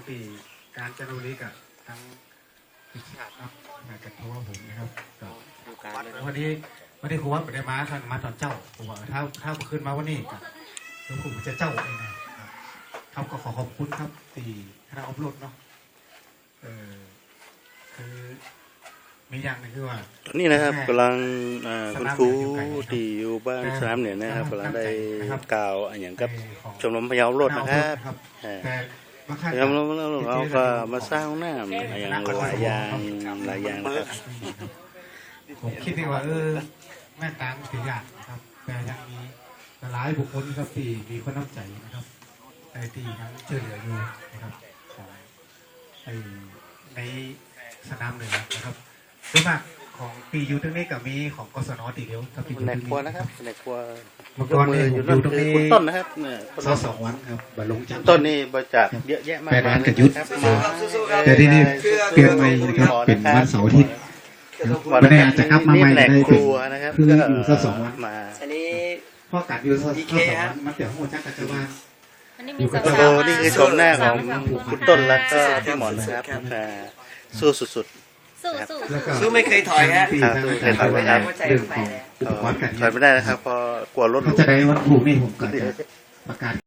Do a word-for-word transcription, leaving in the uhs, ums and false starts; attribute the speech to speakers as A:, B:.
A: ที่การจันทบุรีกับทั้งพิชาติครับมาจากทัวร์ผมนะครับก็วันนี้วันนี้ครูว่าไม่ได้มาท่านมาตอนเจ้าผมว่าถ้าถ้าขึ้นมาวันนี้ก็หลวงปู่จะเจ้าเองนะครับก็ขอขอบคุณครับที่คณะอบรมเนาะเออคือมีอย่างนึงคือว่า
B: นี่นะครับกำลังคุณครูที่อยู่บ้านสนามเหนือนะครับกำลังได้กล่าวอย่างกับชมรมพะเยาโลดนะครับชมรมเราก็มาสร้างหน้าอย่างหลายอย่างหลายอย่างนะครับ
A: ผมคิดว่าเออแม่ตางถืออยากนะครับแต่ยังมีหลายบุคคลครับที่มีคนน้ำใจนะครับในที่ทั้งช่วยเหลืออยู่นะครับในสนามเหนือนะครับส่วนมากของปีอยู่ตรงนี้กับมีของกศนตีเดียวกับปีอยู่ตรงนี้
B: นะครับในครัว
A: มังกรเนี่ยอยู่ตรงนี้
B: คุณต้นนะครับเนี่ย
A: สองสองวันครับบรรลุจัน
B: ต้นนี่บริจาคเยอะแยะมาก
A: แปดวันกับยุทธแต่ที่นี่เปลี่ยนไปนะครับเป็นวันเสาร์อาทิตย์วันนี้อาจจะกลับมาใหม่ได้เป็นคืออยู่สักสองวัน
B: มา
C: อันนี้
A: พ่อกัดอยู่สักสองวันมาเดี๋ยวหัวจักรจะมา
B: อยู่กับโตนี่คือชมหน้าของคุณต้นแล้วก็พี่หมอนนะครับสู้สุด
C: สู้สู้ไม่เคยถอยฮะ
B: ไม่เคยถอยครับถอยไม่ได้นะครับพอกลัวรถ
A: เขาจะได้วัตถุนี่ผมก็จะประกาศ